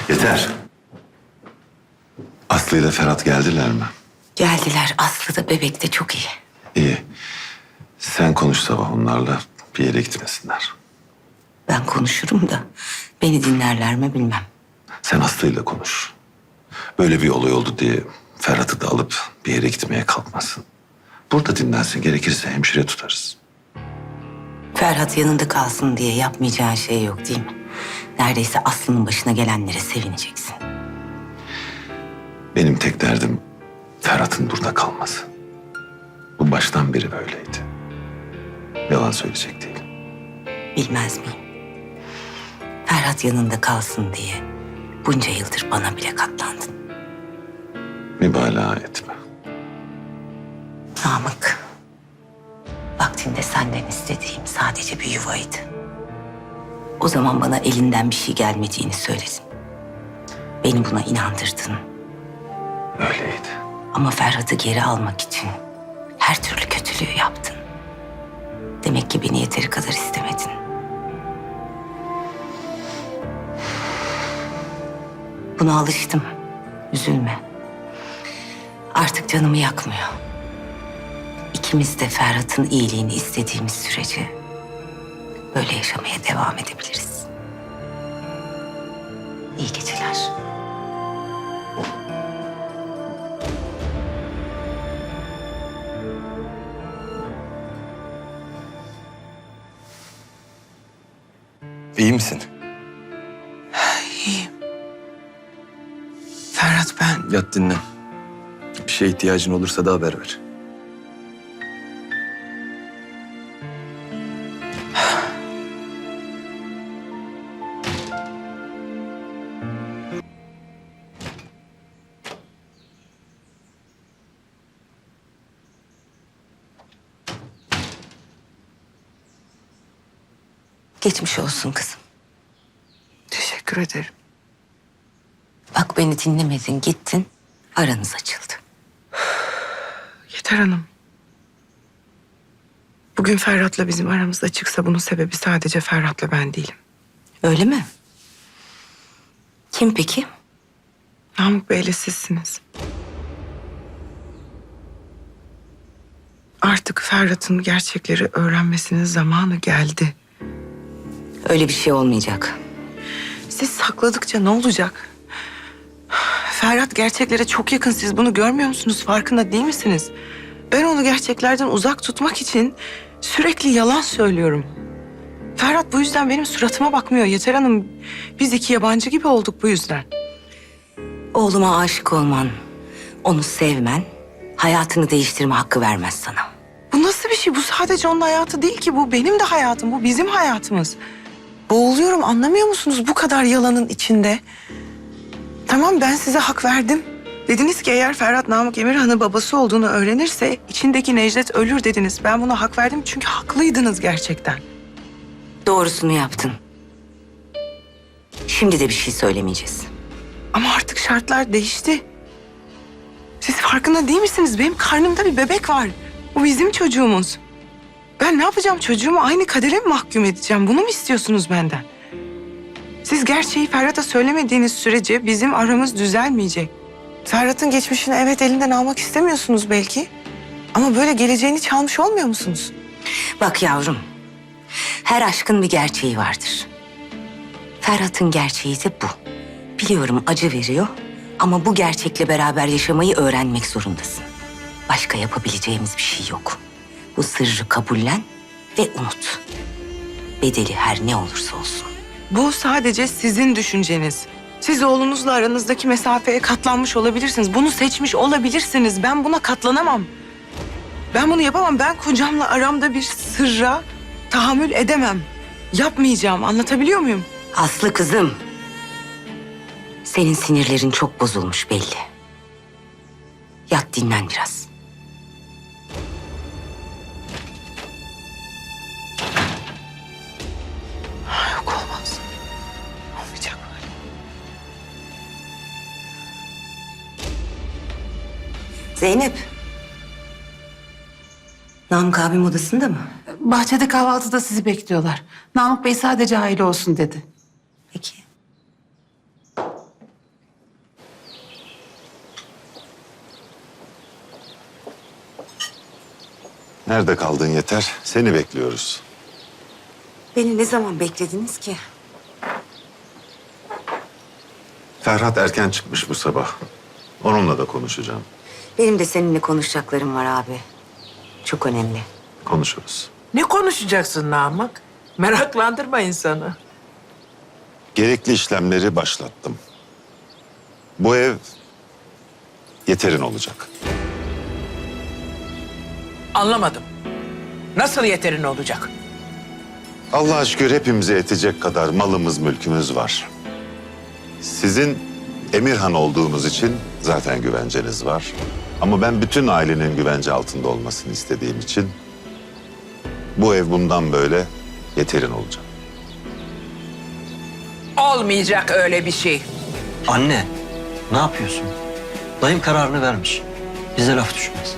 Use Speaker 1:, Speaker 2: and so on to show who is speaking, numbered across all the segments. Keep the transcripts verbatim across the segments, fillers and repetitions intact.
Speaker 1: Yeter. Aslı ile Ferhat geldiler mi?
Speaker 2: Geldiler. Aslı da bebek de çok iyi.
Speaker 1: İyi. Sen konuş sabah onlarla, bir yere gitmesinler.
Speaker 2: Ben konuşurum da beni dinlerler mi bilmem.
Speaker 1: Sen Aslı'yla konuş. Böyle bir olay oldu diye Ferhat'ı da alıp bir yere gitmeye kalkmasın. Burada dinlensin, gerekirse hemşire tutarız.
Speaker 2: Ferhat yanında kalsın diye yapmayacağın şey yok değil mi? Neredeyse Aslı'nın başına gelenlere sevineceksin.
Speaker 1: Benim tek derdim Ferhat'ın burada kalması. Bu baştan beri böyleydi. Yalan söyleyecek değil.
Speaker 2: Bilmez miyim? Ferhat yanında kalsın diye bunca yıldır bana bile katlandın.
Speaker 1: Mübalağa etme.
Speaker 2: Namık, vaktinde senden istediğim sadece bir yuvaydı. O zaman bana elinden bir şey gelmediğini söyledin. Beni buna inandırdın.
Speaker 1: Öyleydi.
Speaker 2: Ama Ferhat'ı geri almak için her türlü kötülüğü yaptın. Demek ki beni yeteri kadar istemedin. Buna alıştım. Üzülme. Artık canımı yakmıyor. İkimiz de Ferhat'ın iyiliğini istediğimiz sürece böyle yaşamaya devam edebiliriz. İyi geceler.
Speaker 3: İyi misin?
Speaker 4: İyiyim. Ferhat ben...
Speaker 3: Yat dinlen. Bir şeye ihtiyacın olursa da haber ver.
Speaker 2: Geçmiş olsun kızım.
Speaker 4: Teşekkür ederim.
Speaker 2: Bak beni dinlemedin, gittin. Aranız açıldı.
Speaker 4: Yeter Hanım. Bugün Ferhat'la bizim aramız açıksa bunun sebebi sadece Ferhat'la ben değilim.
Speaker 2: Öyle mi? Kim peki?
Speaker 4: Namık Bey'le sizsiniz. Artık Ferhat'ın gerçekleri öğrenmesinin zamanı geldi.
Speaker 2: Öyle bir şey olmayacak.
Speaker 4: Siz sakladıkça ne olacak? Ferhat gerçeklere çok yakın. Siz bunu görmüyor musunuz? Farkında değil misiniz? Ben onu gerçeklerden uzak tutmak için sürekli yalan söylüyorum. Ferhat bu yüzden benim suratıma bakmıyor. Yeter Hanım, biz iki yabancı gibi olduk bu yüzden.
Speaker 2: Oğluma aşık olman, onu sevmen, hayatını değiştirme hakkı vermez sana.
Speaker 4: Bu nasıl bir şey? Bu sadece onun hayatı değil ki. Bu benim de hayatım. Bu bizim hayatımız. Boğuluyorum, anlamıyor musunuz bu kadar yalanın içinde? Tamam, ben size hak verdim. Dediniz ki eğer Ferhat Namık Emirhan'ın babası olduğunu öğrenirse içindeki Necdet ölür dediniz. Ben buna hak verdim çünkü haklıydınız gerçekten.
Speaker 2: Doğrusunu yaptın. Şimdi de bir şey söylemeyeceğiz.
Speaker 4: Ama artık şartlar değişti. Siz farkında değil misiniz? Benim karnımda bir bebek var. Bu bizim çocuğumuz. Ben ne yapacağım? Çocuğumu aynı kadere mi mahkum edeceğim? Bunu mu istiyorsunuz benden? Siz gerçeği Ferhat'a söylemediğiniz sürece bizim aramız düzelmeyecek. Ferhat'ın geçmişini evet elinden almak istemiyorsunuz belki. Ama böyle geleceğini çalmış olmuyor musunuz?
Speaker 2: Bak yavrum, her aşkın bir gerçeği vardır. Ferhat'ın gerçeği de bu. Biliyorum acı veriyor ama bu gerçekle beraber yaşamayı öğrenmek zorundasın. Başka yapabileceğimiz bir şey yok. Bu sırrı kabullen ve unut. Bedeli her ne olursa olsun.
Speaker 4: Bu sadece sizin düşünceniz. Siz oğlunuzla aranızdaki mesafeye katlanmış olabilirsiniz. Bunu seçmiş olabilirsiniz. Ben buna katlanamam. Ben bunu yapamam. Ben kocamla aramda bir sırra tahammül edemem. Yapmayacağım. Anlatabiliyor muyum?
Speaker 2: Aslı kızım, senin sinirlerin çok bozulmuş belli. Yat dinlen biraz.
Speaker 4: Yok olmaz. Olmayacak böyle.
Speaker 2: Zeynep. Namık abim odasında mı?
Speaker 5: Bahçede kahvaltıda sizi bekliyorlar. Namık Bey sadece aile olsun dedi.
Speaker 2: Peki.
Speaker 1: Nerede kaldın Yeter? Seni bekliyoruz.
Speaker 2: Beni ne zaman beklediniz ki?
Speaker 1: Ferhat erken çıkmış bu sabah. Onunla da konuşacağım.
Speaker 2: Benim de seninle konuşacaklarım var abi. Çok önemli.
Speaker 1: Konuşuruz.
Speaker 6: Ne konuşacaksın Namık? Meraklandırma insanı.
Speaker 1: Gerekli işlemleri başlattım. Bu ev Yeter'in olacak.
Speaker 6: Anlamadım. Nasıl yeterin olacak?
Speaker 1: Allah'a şükür hepimize yetecek kadar malımız, mülkümüz var. Sizin Emirhan olduğunuz için zaten güvenceniz var. Ama ben bütün ailenin güvence altında olmasını istediğim için bu ev bundan böyle Yeter'in olacak.
Speaker 6: Olmayacak öyle bir şey.
Speaker 7: Anne, ne yapıyorsun? Dayım kararını vermiş. Bize laf düşmez.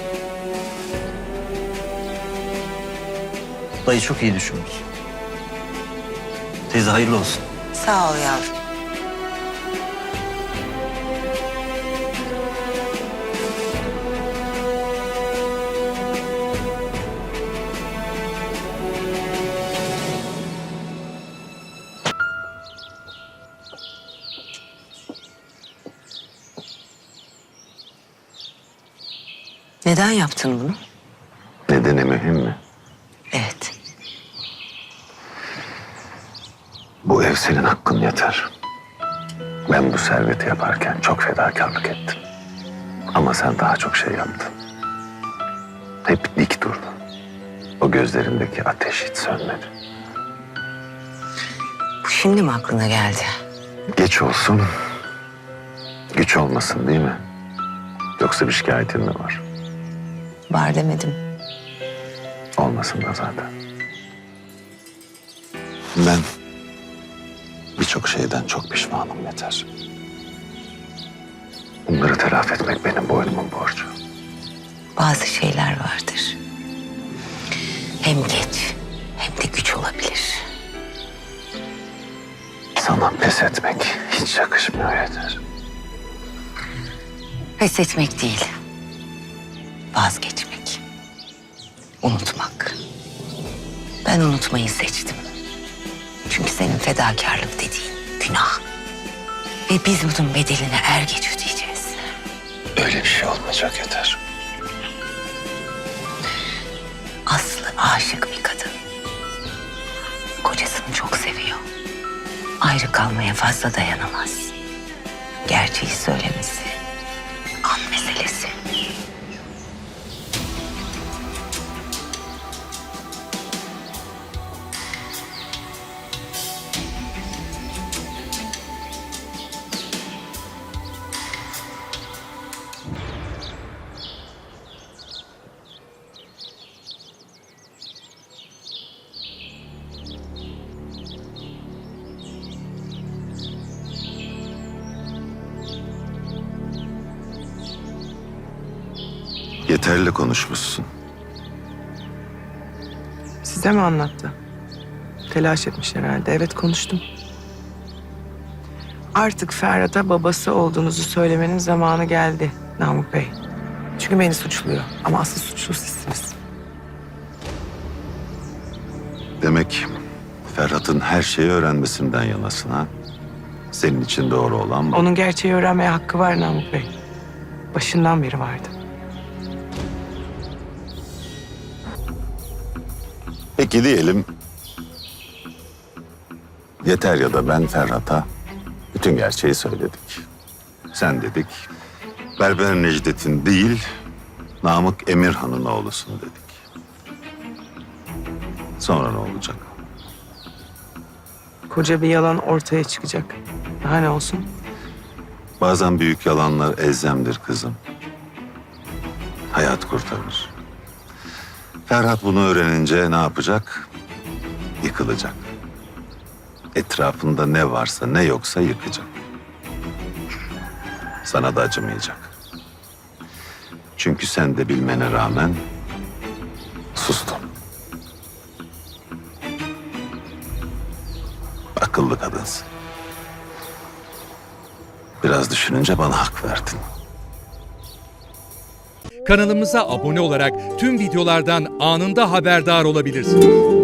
Speaker 7: Dayı çok iyi düşünmüş. Teyze hayırlı olsun.
Speaker 2: Sağ ol yavrum. Neden yaptın bunu?
Speaker 1: Nedeni mühim mi?
Speaker 2: Evet.
Speaker 1: Bu ev senin hakkın Yeter. Ben bu serveti yaparken çok fedakarlık ettim. Ama sen daha çok şey yaptın. Hep dik durdun. O gözlerindeki ateş hiç sönmedi.
Speaker 2: Bu şimdi mi aklına geldi?
Speaker 1: Geç olsun, güç olmasın değil mi? Yoksa bir şikayetin mi var?
Speaker 2: Var demedim.
Speaker 1: Olmasın da zaten. Ben birçok şeyden çok pişmanım Yeter. Bunları telafi etmek benim boynumun borcu.
Speaker 2: Bazı şeyler vardır. Hem geç hem de güç olabilir.
Speaker 1: Sana pes etmek hiç yakışmıyor Yeter.
Speaker 2: Pes etmek değil. Vazgeçmek. Unutmak. Ben unutmayı seçtim. Çünkü senin fedakarlık dediğin günah. Ve biz bunun bedelini er geç ödeyeceğiz.
Speaker 1: Öyle bir şey olmayacak Yeter.
Speaker 2: Aslı aşık bir kadın. Kocasını çok seviyor. Ayrı kalmaya fazla dayanamaz. Gerçeği söylemesi an meselesi.
Speaker 1: Yeterli konuşmuşsun.
Speaker 4: Size mi anlattı? Telaş etmiş herhalde. Evet, konuştum. Artık Ferhat'a babası olduğunuzu söylemenin zamanı geldi Namık Bey. Çünkü beni suçluyor ama asıl suçlu sizsiniz.
Speaker 1: Demek Ferhat'ın her şeyi öğrenmesinden yanasın ha? Senin için doğru olan bu.
Speaker 4: Onun gerçeği öğrenmeye hakkı var Namık Bey. Başından beri vardı.
Speaker 1: Peki diyelim Yeter ya da ben Ferhat'a bütün gerçeği söyledik. Sen dedik Berber Necdet'in değil Namık Emirhan'ın oğlusun dedik. Sonra ne olacak?
Speaker 4: Koca bir yalan ortaya çıkacak. Daha ne olsun?
Speaker 1: Bazen büyük yalanlar elzemdir kızım. Hayat kurtarır. Ferhat bunu öğrenince ne yapacak? Yıkılacak. Etrafında ne varsa ne yoksa yıkacak. Sana da acımayacak. Çünkü sen de bilmene rağmen sustun. Akıllı kadınsın. Biraz düşününce bana hak verdin.
Speaker 8: Kanalımıza abone olarak tüm videolardan anında haberdar olabilirsiniz.